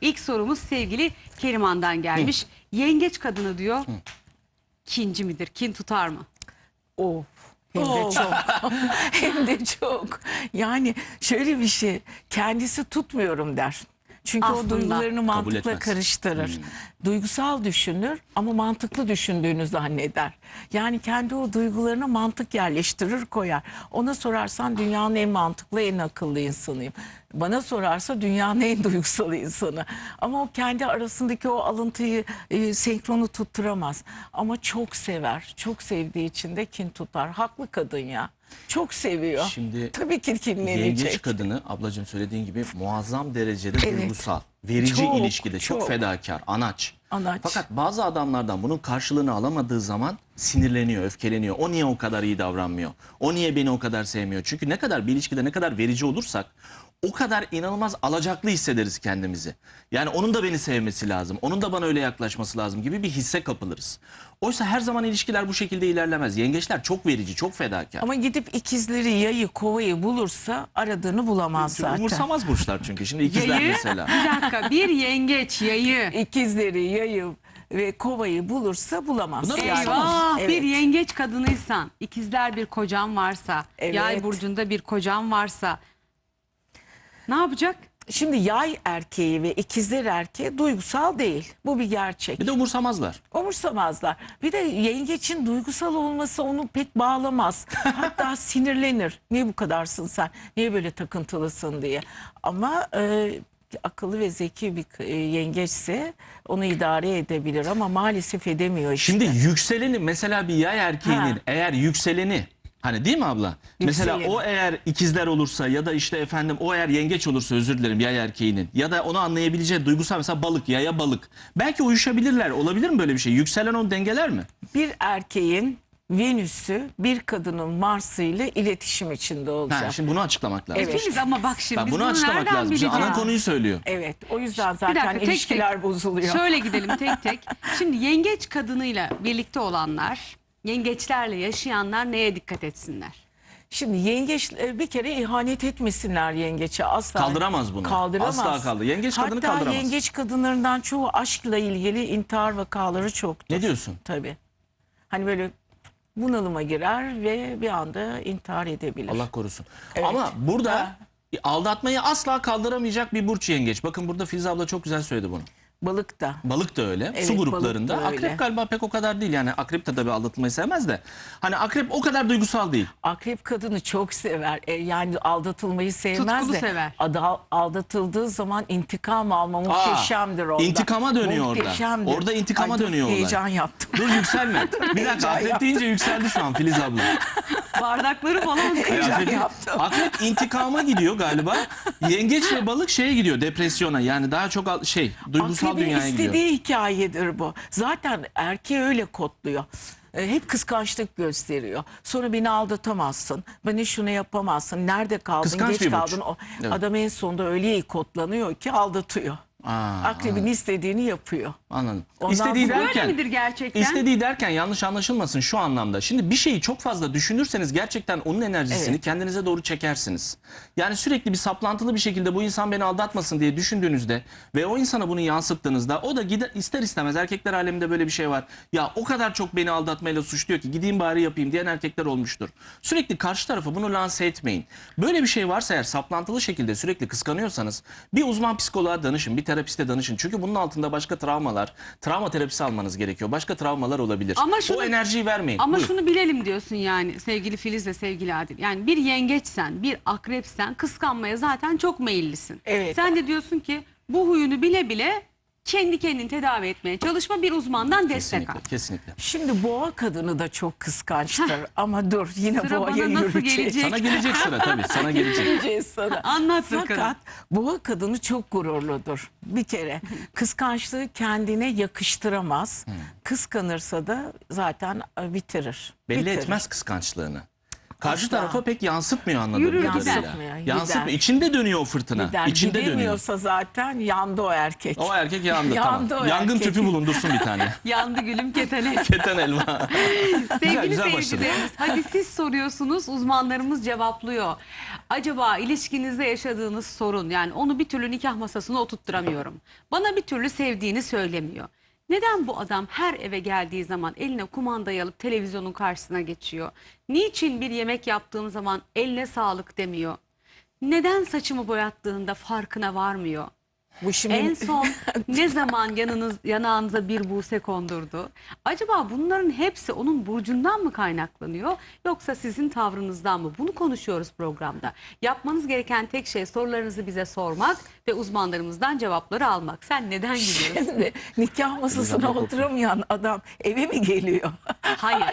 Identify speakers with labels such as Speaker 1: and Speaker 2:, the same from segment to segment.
Speaker 1: İlk sorumuz sevgili Keriman'dan gelmiş. Yengeç kadını diyor. Kinci midir? Kin tutar mı?
Speaker 2: Of. Hem de çok. Hem de çok. Yani şöyle bir şey. Kendisi tutmuyorum der. Çünkü
Speaker 1: Aslında.
Speaker 2: o duygularını mantıkla
Speaker 3: etmez.
Speaker 2: karıştırır. Duygusal düşünür ama mantıklı düşündüğünü zanneder. Yani kendi o duygularına mantık yerleştirir, koyar. Ona sorarsan dünyanın en mantıklı, en akıllı insanıyım. Bana sorarsa dünyanın en duygusal insanı. Ama o kendi arasındaki o alıntıyı, senkronu tutturamaz. Ama çok sever. Çok sevdiği için de kin tutar. Haklı kadın ya. Çok seviyor.
Speaker 3: Şimdi
Speaker 2: tabii ki kinlenecek.
Speaker 3: yengeç kadını ablacığım söylediğin gibi muazzam derecede
Speaker 2: Evet.
Speaker 3: duygusal. Verici
Speaker 2: Çok,
Speaker 3: ilişkide çok fedakar, anaç.
Speaker 2: Anaç.
Speaker 3: Fakat bazı adamlardan bunun karşılığını alamadığı zaman sinirleniyor, öfkeleniyor. O niye o kadar iyi davranmıyor? O niye beni o kadar sevmiyor? Çünkü ne kadar bir ilişkide ne kadar verici olursak o kadar inanılmaz alacaklı hissederiz kendimizi. Yani onun da beni sevmesi lazım. Onun da bana öyle yaklaşması lazım gibi bir hisse kapılırız. Oysa her zaman ilişkiler bu şekilde ilerlemez. Yengeçler çok verici, çok fedakar.
Speaker 2: Ama gidip ikizleri, yayı, kovayı bulursa aradığını bulamaz zaten.
Speaker 3: Umursamaz burçlar çünkü. Şimdi ikizler
Speaker 1: Yayı,
Speaker 3: mesela.
Speaker 1: bir dakika, bir yengeç yayı.
Speaker 2: İkizleri, yayı ve kovayı bulursa bulamaz.
Speaker 3: Bunlar
Speaker 2: Yani.
Speaker 1: Eyvah,
Speaker 2: Evet.
Speaker 1: bir yengeç kadınıysan, ikizler bir kocan varsa,
Speaker 2: Evet.
Speaker 1: yay burcunda bir kocan varsa ne yapacak?
Speaker 2: Şimdi yay erkeği ve ikizler erkeği duygusal değil. Bu bir gerçek.
Speaker 3: Bir de umursamazlar.
Speaker 2: Umursamazlar. Bir de yengeçin duygusal olması onu pek bağlamaz. Hatta sinirlenir. Niye bu kadarsın sen? Niye böyle takıntılısın diye. Ama akıllı ve zeki bir yengeçse onu idare edebilir ama maalesef edemiyor işte.
Speaker 3: Şimdi yükseleni mesela bir yay erkeğinin eğer yükseleni hani değil mi abla? Mesela
Speaker 2: Yükseleni.
Speaker 3: o eğer ikizler olursa ya da işte efendim o eğer yengeç olursa özür dilerim yay erkeğinin ya da onu anlayabileceği duygusal mesela balık yaya balık. Belki uyuşabilirler. Olabilir mi böyle bir şey? Yükselen onu dengeler mi?
Speaker 2: Bir erkeğin Venüs'ü bir kadının Mars'ı ile iletişim içinde olacak.
Speaker 3: Ha, şimdi bunu açıklamak lazım.
Speaker 2: Evet.
Speaker 1: Filiz ama bak şimdi
Speaker 3: Ben
Speaker 1: biz
Speaker 3: bunu
Speaker 1: bunu
Speaker 3: açıklamak
Speaker 1: nereden
Speaker 3: lazım. Şimdi
Speaker 1: bileceğiz?
Speaker 3: ana konuyu söylüyor.
Speaker 2: Evet, o yüzden
Speaker 1: Bir
Speaker 2: zaten
Speaker 1: dakika, tek
Speaker 2: ilişkiler
Speaker 1: tek.
Speaker 2: bozuluyor.
Speaker 1: Şöyle gidelim tek tek. Şimdi yengeç kadınıyla birlikte olanlar, yengeçlerle yaşayanlar neye dikkat etsinler?
Speaker 2: Şimdi yengeç bir kere ihanet etmesinler yengeçe asla.
Speaker 3: Kaldıramaz bunu.
Speaker 2: Kaldıramaz.
Speaker 3: Asla kaldı. Yengeç kadını
Speaker 2: Hatta
Speaker 3: kaldıramaz.
Speaker 2: yengeç kadınlarından çoğu aşkla ilgili intihar vakaları çoktur.
Speaker 3: Ne diyorsun?
Speaker 2: Tabii. Hani böyle bunalıma girer ve bir anda intihar edebilir.
Speaker 3: Allah korusun.
Speaker 2: Evet.
Speaker 3: Ama burada
Speaker 2: Ha.
Speaker 3: aldatmayı asla kaldıramayacak bir burç yengeç. Bakın burada Filiz abla çok güzel söyledi bunu.
Speaker 2: Balık da.
Speaker 3: Balık da öyle.
Speaker 2: Evet,
Speaker 3: Su gruplarında.
Speaker 2: balık da öyle.
Speaker 3: Akrep galiba pek o kadar değil. Yani akrep de tabii aldatılmayı sevmez de. Hani akrep o kadar duygusal değil.
Speaker 2: Akrep kadını çok sever. Yani aldatılmayı sevmez
Speaker 1: Tutkulu
Speaker 2: de.
Speaker 1: sever.
Speaker 2: Aldatıldığı zaman intikam alma muhteşemdir orada.
Speaker 3: intikama dönüyor orada.
Speaker 2: Muhteşemdir.
Speaker 3: Orada intikama
Speaker 2: Ay, dur,
Speaker 3: dönüyor olay.
Speaker 2: heyecan yaptım.
Speaker 3: Dur yükselme. Bir dakika akrep deyince yükseldi şu an Filiz abla.
Speaker 1: Bardakları falan
Speaker 2: Heyecan yaptım.
Speaker 3: Akrep intikama gidiyor galiba. Yengeç ve balık şeye gidiyor depresyona. Yani daha çok duygusal
Speaker 2: Akrebin
Speaker 3: dünyaya gidiyor.
Speaker 2: istediği hikayedir bu. Zaten erkeği öyle kodluyor. Hep kıskançlık gösteriyor. Sonra beni aldatamazsın. Bana şunu yapamazsın. Nerede kaldın?
Speaker 3: Kıskanç
Speaker 2: Geç
Speaker 3: bir burç.
Speaker 2: kaldın.
Speaker 3: Evet.
Speaker 2: Adam en sonunda öyle iyi kodlanıyor ki aldatıyor. Akrebin istediğini yapıyor.
Speaker 3: Anladım.
Speaker 2: Ondan
Speaker 3: İstediği
Speaker 2: sonra-
Speaker 1: Böyle midir gerçekten?
Speaker 3: İstediği derken yanlış anlaşılmasın şu anlamda. Şimdi bir şeyi çok fazla düşünürseniz gerçekten onun enerjisini
Speaker 2: Evet.
Speaker 3: kendinize doğru çekersiniz. Yani sürekli bir saplantılı bir şekilde bu insan beni aldatmasın diye düşündüğünüzde ve o insana bunu yansıttığınızda o da ister istemez erkekler aleminde böyle bir şey var. Ya o kadar çok beni aldatmayla suçluyor ki gideyim bari yapayım diyen erkekler olmuştur. Sürekli karşı tarafa bunu lanse etmeyin. Böyle bir şey varsa eğer saplantılı şekilde sürekli kıskanıyorsanız bir uzman psikoloğa danışın, bir terapiste danışın. Çünkü bunun altında başka travmalar, travma terapisi almanız gerekiyor. Başka travmalar olabilir.
Speaker 1: Ama
Speaker 3: o enerjiyi vermeyin.
Speaker 1: Ama
Speaker 3: Buyur.
Speaker 1: şunu bilelim diyorsun yani sevgili Filiz ve sevgili Adil. Yani bir yengeçsen, bir akrepsen kıskanmaya zaten çok meyillisin.
Speaker 2: Evet.
Speaker 1: Sen de diyorsun ki bu huyunu bile bile kendi kendini tedavi etmeye çalışma, bir uzmandan destek al.
Speaker 3: Kesinlikle, kesinlikle.
Speaker 2: Şimdi boğa kadını da çok kıskançtır. Ama dur yine
Speaker 1: Sıra
Speaker 2: boğaya
Speaker 1: bana nasıl
Speaker 2: yürüyeceğiz.
Speaker 1: gelecek?
Speaker 3: Sana gelecek sıra tabii. Sana gelecek.
Speaker 2: Geleceğiz sana.
Speaker 1: Anlat bakalım.
Speaker 2: Fakat boğa kadını çok gururludur. Bir kere kıskançlığı kendine yakıştıramaz. Kıskanırsa da zaten bitirir.
Speaker 3: Belli
Speaker 2: Bitirir.
Speaker 3: etmez kıskançlığını. Karşı
Speaker 2: Asla.
Speaker 3: tarafa pek yansıtmıyor anladığım
Speaker 1: Yürür
Speaker 3: kadarıyla.
Speaker 2: gider.
Speaker 3: Yansıtmıyor.
Speaker 2: Gider.
Speaker 3: İçinde dönüyor o fırtına.
Speaker 2: Gider.
Speaker 3: İçinde dönüyor.
Speaker 2: Gidemiyorsa zaten yandı o erkek.
Speaker 3: O erkek yandı,
Speaker 2: Yandı
Speaker 3: tamam.
Speaker 2: o
Speaker 3: Yangın
Speaker 2: erkek.
Speaker 3: tüpü bulundursun bir tane.
Speaker 1: Yandı gülüm ketene.
Speaker 3: Keten elma.
Speaker 1: Sevgili
Speaker 3: güzel başladı.
Speaker 1: seyircilerimiz, hadi siz soruyorsunuz, uzmanlarımız cevaplıyor. Acaba ilişkinizde yaşadığınız sorun, yani onu bir türlü nikah masasına oturtturamıyorum. Bana bir türlü sevdiğini söylemiyor. Neden bu adam her eve geldiği zaman eline kumandayı alıp televizyonun karşısına geçiyor? Niçin bir yemek yaptığım zaman eline sağlık demiyor? Neden saçımı boyattığında farkına varmıyor?
Speaker 2: Bu şimdi
Speaker 1: En son ne zaman yanağınıza bir buse kondurdu? Acaba bunların hepsi onun burcundan mı kaynaklanıyor, yoksa sizin tavrınızdan mı? Bunu konuşuyoruz programda. Yapmanız gereken tek şey sorularınızı bize sormak ve uzmanlarımızdan cevapları almak. Sen neden gülüyorsun?
Speaker 2: şimdi nikah masasına oturamayan adam eve mi geliyor?
Speaker 1: Hayır.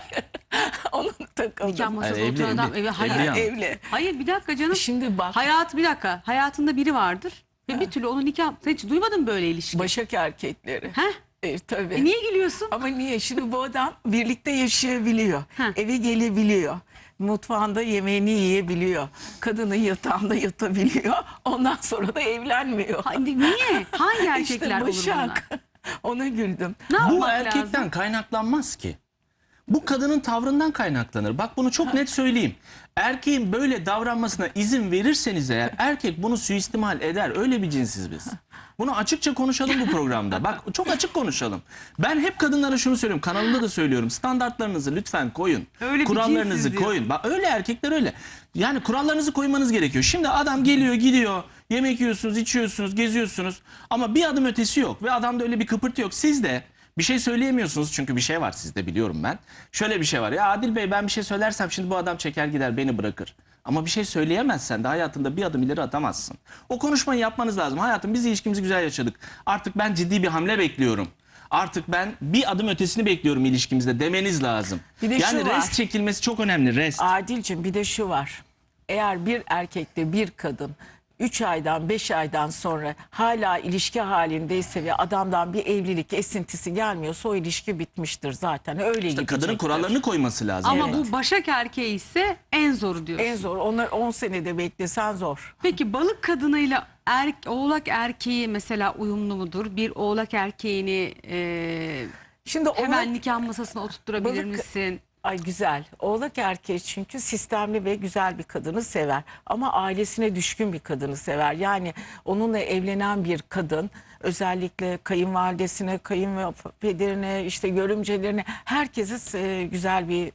Speaker 2: Onun takıldı.
Speaker 1: Nikah masasına
Speaker 3: Evli,
Speaker 1: oturan adam
Speaker 3: evli.
Speaker 1: eve hayır.
Speaker 3: Evli yani.
Speaker 2: Evli.
Speaker 1: Hayır, bir dakika canım.
Speaker 2: Şimdi bak,
Speaker 1: Bir dakika. Hayatında biri vardır ve bir türlü onu nikah... Sen hiç duymadın mı böyle ilişki?
Speaker 2: Başak erkekleri.
Speaker 1: Heh?
Speaker 2: Tabii.
Speaker 1: Niye gülüyorsun?
Speaker 2: Ama niye? Şimdi bu adam birlikte yaşayabiliyor.
Speaker 1: Heh.
Speaker 2: Eve gelebiliyor. Mutfağında yemeğini yiyebiliyor. Kadının yatağında yatabiliyor. Ondan sonra da evlenmiyor.
Speaker 1: Niye? Hangi erkekler olur
Speaker 2: işte
Speaker 1: bunlar?
Speaker 2: Başak. Ona güldüm.
Speaker 1: Ne
Speaker 3: Bu
Speaker 1: yapmak
Speaker 3: erkekten
Speaker 1: lazım?
Speaker 3: kaynaklanmaz ki. Bu kadının tavrından kaynaklanır. Bak bunu çok net söyleyeyim. Erkeğin böyle davranmasına izin verirseniz eğer erkek bunu suistimal eder. Öyle bir cinsiz biz. Bunu açıkça konuşalım bu programda. Bak çok açık konuşalım. Ben hep kadınlara şunu söylüyorum. Kanalımda da söylüyorum. Standartlarınızı lütfen koyun.
Speaker 1: Öyle bir
Speaker 3: Kurallarınızı
Speaker 1: cinsiz diyor.
Speaker 3: koyun. Bak öyle erkekler öyle. Yani kurallarınızı koymanız gerekiyor. Şimdi adam geliyor gidiyor. Yemek yiyorsunuz, içiyorsunuz, geziyorsunuz. Ama bir adım ötesi yok. Ve adamda öyle bir kıpırtı yok. Siz de bir şey söyleyemiyorsunuz çünkü bir şey var sizde, biliyorum ben. Şöyle bir şey var. Ya Adil Bey, ben bir şey söylersem şimdi bu adam çeker gider beni bırakır. Ama bir şey söyleyemezsen de hayatında bir adım ileri atamazsın. O konuşmayı yapmanız lazım. Hayatım, biz ilişkimizi güzel yaşadık. Artık ben ciddi bir hamle bekliyorum. Artık ben bir adım ötesini bekliyorum ilişkimizde demeniz lazım.
Speaker 2: Bir de
Speaker 3: Yani
Speaker 2: şu var.
Speaker 3: rest çekilmesi çok önemli. Rest.
Speaker 2: Adil'cim bir de şu var. Eğer bir erkekle bir kadın 3 aydan 5 aydan sonra hala ilişki halindeyse ve adamdan bir evlilik esintisi gelmiyorsa o ilişki bitmiştir zaten. Öyle
Speaker 3: İşte
Speaker 2: gidecektir.
Speaker 3: kadının kurallarını koyması lazım.
Speaker 1: Ama
Speaker 3: Evet.
Speaker 1: bu Başak erkeği ise en zoru diyorsun.
Speaker 2: En zor. Onlar 10 senede beklesen zor.
Speaker 1: Peki balık kadınıyla oğlak erkeği mesela uyumlu mudur? Bir oğlak erkeğini
Speaker 2: Şimdi
Speaker 1: hemen nikah masasına oturtturabilir
Speaker 2: balık-
Speaker 1: misin?
Speaker 2: Ay güzel. Oğlak erkeği çünkü sistemli ve güzel bir kadını sever. Ama ailesine düşkün bir kadını sever. Yani onunla evlenen bir kadın özellikle kayınvalidesine, kayınpederine, işte görümcelerine herkese güzel bir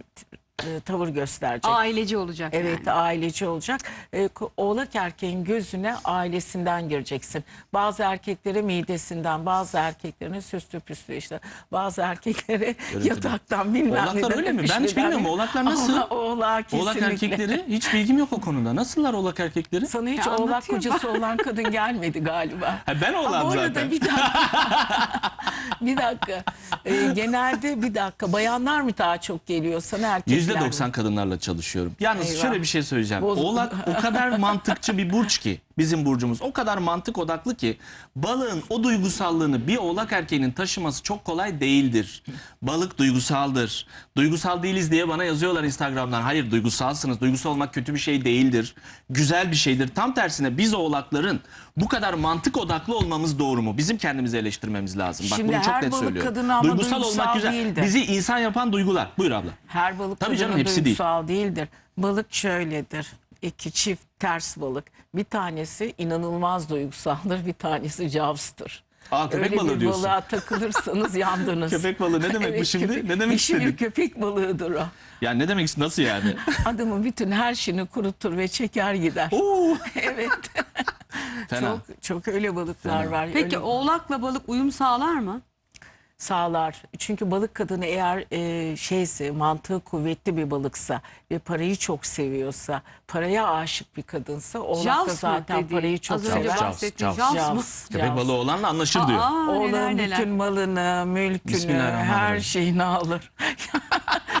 Speaker 2: tavır gösterecek.
Speaker 1: Aileci olacak
Speaker 2: Evet,
Speaker 1: yani.
Speaker 2: aileci olacak. Oğlak erkeğin gözüne ailesinden gireceksin. Bazı erkeklere midesinden, bazı erkeklerine süslü püslü işte. Bazı erkeklere yataktan bilmem
Speaker 3: Oğlaklar
Speaker 2: neden,
Speaker 3: öyle mi? Ben hiç
Speaker 2: öpüşmeden.
Speaker 3: bilmiyorum. Oğlaklar nasıl?
Speaker 2: Ama oğlak
Speaker 3: Oğlak
Speaker 2: kesinlikle.
Speaker 3: erkekleri hiç bilgim yok o konuda. Nasıllar oğlak erkekleri?
Speaker 2: Sana hiç
Speaker 1: Ya
Speaker 2: oğlak
Speaker 1: anlatıyor
Speaker 2: kocası olan kadın gelmedi galiba.
Speaker 3: Ha, ben oğlağım
Speaker 2: Ama orada
Speaker 3: zaten.
Speaker 2: bir dakika. Bir dakika. Genelde bir dakika. Bayanlar mı daha çok geliyor sana, erkekler mi?
Speaker 3: %90 kadınlarla çalışıyorum. Yalnız
Speaker 2: Eyvah.
Speaker 3: şöyle bir şey söyleyeceğim.
Speaker 2: Bozuk.
Speaker 3: Oğlak o kadar mantıkçı bir burç ki, bizim burcumuz o kadar mantık odaklı ki balığın o duygusallığını bir oğlak erkeğinin taşıması çok kolay değildir. Balık duygusaldır. Duygusal değiliz diye bana yazıyorlar Instagram'dan. Hayır, duygusalsınız. Duygusal olmak kötü bir şey değildir. Güzel bir şeydir. Tam tersine biz oğlakların bu kadar mantık odaklı olmamız doğru mu? Bizim kendimizi eleştirmemiz lazım. Bak
Speaker 2: Şimdi
Speaker 3: bunu çok
Speaker 2: her
Speaker 3: net
Speaker 2: balık
Speaker 3: söylüyorum.
Speaker 2: kadını ama duygusal
Speaker 3: güzel.
Speaker 2: değildir.
Speaker 3: Bizi insan yapan duygular. Buyur abla.
Speaker 2: Her balık
Speaker 3: Tabii canım,
Speaker 2: kadını
Speaker 3: hepsi değil.
Speaker 2: duygusal değildir. Balık şöyledir. İki çift ters balık. Bir tanesi inanılmaz duygusaldır, bir tanesi cavstır.
Speaker 3: Aa, köpek
Speaker 2: Öyle
Speaker 3: balığı
Speaker 2: bir
Speaker 3: diyorsun.
Speaker 2: balığa takılırsanız yandınız.
Speaker 3: Köpek balığı ne demek bu şimdi?
Speaker 2: köpek-
Speaker 3: Ne demek
Speaker 2: dişi bir
Speaker 3: istedin?
Speaker 2: köpek balığıdır o.
Speaker 3: Ya ne demek, nasıl yani?
Speaker 2: Adamın bütün her şeyini kurutur ve çeker gider.
Speaker 3: Oo,
Speaker 2: Evet.
Speaker 3: fena.
Speaker 2: Çok öyle balıklar
Speaker 3: Fena.
Speaker 2: var.
Speaker 1: Peki
Speaker 2: Öyle
Speaker 1: oğlakla balık uyum sağlar mı?
Speaker 2: sağlar. Çünkü balık kadını eğer şeyse, mantığı kuvvetli bir balıksa ve parayı çok seviyorsa, paraya aşık bir kadınsa, oğlak da
Speaker 1: Jaws mı
Speaker 2: zaten
Speaker 1: dediğin?
Speaker 2: parayı çok
Speaker 1: Az önce
Speaker 2: sever.
Speaker 1: bahsettiğin
Speaker 3: Jaws.
Speaker 1: Jaws mı?
Speaker 3: Köpek balığı olanla anlaşır diyor.
Speaker 1: Aa, neler
Speaker 2: Oğlanın
Speaker 1: neler.
Speaker 2: bütün malını, mülkünü,
Speaker 3: Bismillahirrahmanirrahim.
Speaker 2: her şeyini alır.